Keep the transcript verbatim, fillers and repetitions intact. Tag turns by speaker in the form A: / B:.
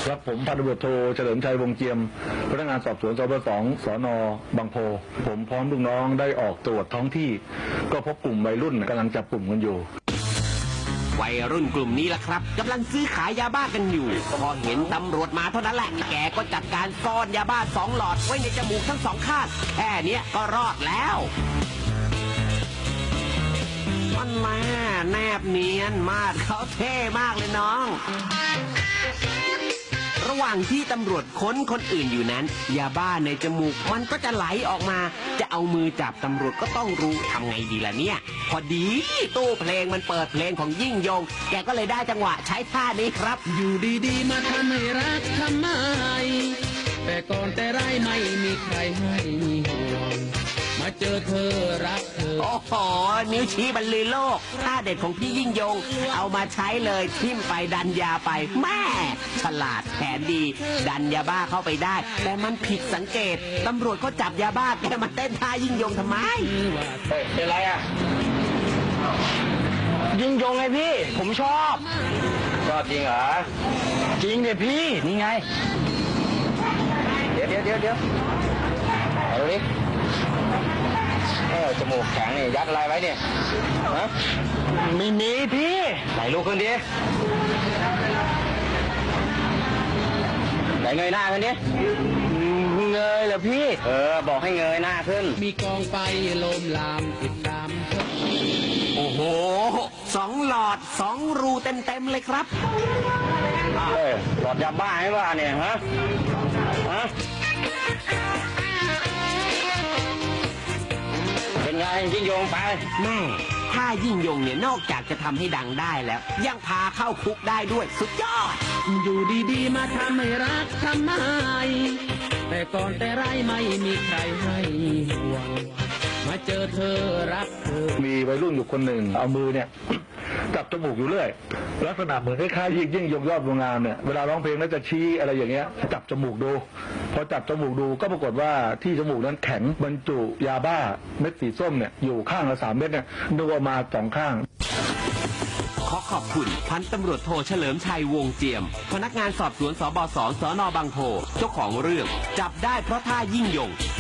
A: ครับผมพันตำรวจโทเฉลิมชัยวงเจียมพนักงานสอบสวนสบสองสนบางโพผมพร้อมลูกน้องได้ออกตรวจท้องที่ก็พบกลุ่มวัยรุ่นกำลังจับกลุ่มกันอยู่
B: วัยรุ่นกลุ่มนี้ล่ะครับกำลังซื้อขายยาบ้ากันอยู่พอเห็นตำรวจมาเท่านั้นแหละแกก็จัดการซ่อนยาบ้าสองหลอดไว้ในจมูกทั้งสองข้างแค่นี้ก็รอดแล้วมันแม่แนบเนียนมากเขาเท่มากเลยน้องระหว่างที่ตำรวจค้นคนอื่นอยู่นั้นยาบ้าในจมูกมันก็จะไหลออกมาจะเอามือจับตำรวจก็ต้องรู้ทำไงดีล่ะเนี่ยพอดีตู้เพลงมันเปิดเพลงของยิ่งยงแกก็เลยได้จังหวะใช้ท่านี้ครับ
C: อยู่ดีๆมาทำให้รักทำไมแต่ก่อนแต่ไรไม่มีใครให้ห่วงมาเจอเธอรักเธอ
B: โอ้โหนิ้วชี้บรรลือโลกท่าเด็ดของพี่ยิ่งยงเอามาใช้เลยทิ่มไปดันยาไปแม่ฉลาดแผนดีดันยาบ้าเข้าไปได้แต่มันผิดสังเกตตำรวจก็จับยาบ้าแกมาเต้นท่ายิ่งยงทำไม
A: เฮ้ยเป็นไรอ่ะ
D: ยิ่งยงไงพี่ผมชอบ
A: ชอบจริงเหรอ
D: จริงเนี่ยพี่นี่ไง
A: เดี๋ยวเดี๋ยวเดี๋ยวเดี๋ยวเอาดิเออจมูกแข็งนี่ยัดอะไรไว้เนี่ยฮะ
D: มีมีพี่
A: ไหนลูกขึ้นดิไหนเงยหน้าขึ้นดิ
D: เงยเหรอพี่
A: เออบอกให้เงยหน้าขึ้น
C: มีกองไฟลมลามติดตาม
B: โอ้โหสองหลอดสองรูเต็มเต็มเลยครับ
A: เฮ้ยหลอดยาบ้าให้ว่าเนี่ยฮะฮะเป็นไงยิ่งยงไป
B: แม่ถ้ายิ่งยงเนี่ยนอกจากจะทำให้ดังได้แล้วยังพาเข้าคุกได้ด้วยสุดยอด
C: อยู่ดีๆมาทำให้รักทำไมแต่ก่อนแต่ไรไม่มีใครให้ห่วงมาเจอเธอรักเธอ
A: มีวัยรุ่นอยู่คนหนึ่งเอามือเนี่ยจับจมูกอยู่เรื่อยลักษณะเหมือนคล้ายๆยิ่งยิ่งยงยอดวงงามเนี่ยเวลาร้องเพลงแล้วจะชี้อะไรอย่างเงี้ยจับจมูกดูพอจับจมูกดูก็ปรากฏว่าที่จมูกนั้นแข็งบรรจุยาบ้าเม็ดสีส้มเนี่ยอยู่ข้างละสามเม็ดเนี่ยนึกออกมาสองข้าง
B: ขอขอบคุณพันตำรวจโทเฉลิมชัยวงเจียมพนักงานสอบสวนสบส สนบางโพเจ้าของเรื่องจับได้เพราะท่ายิ่งยง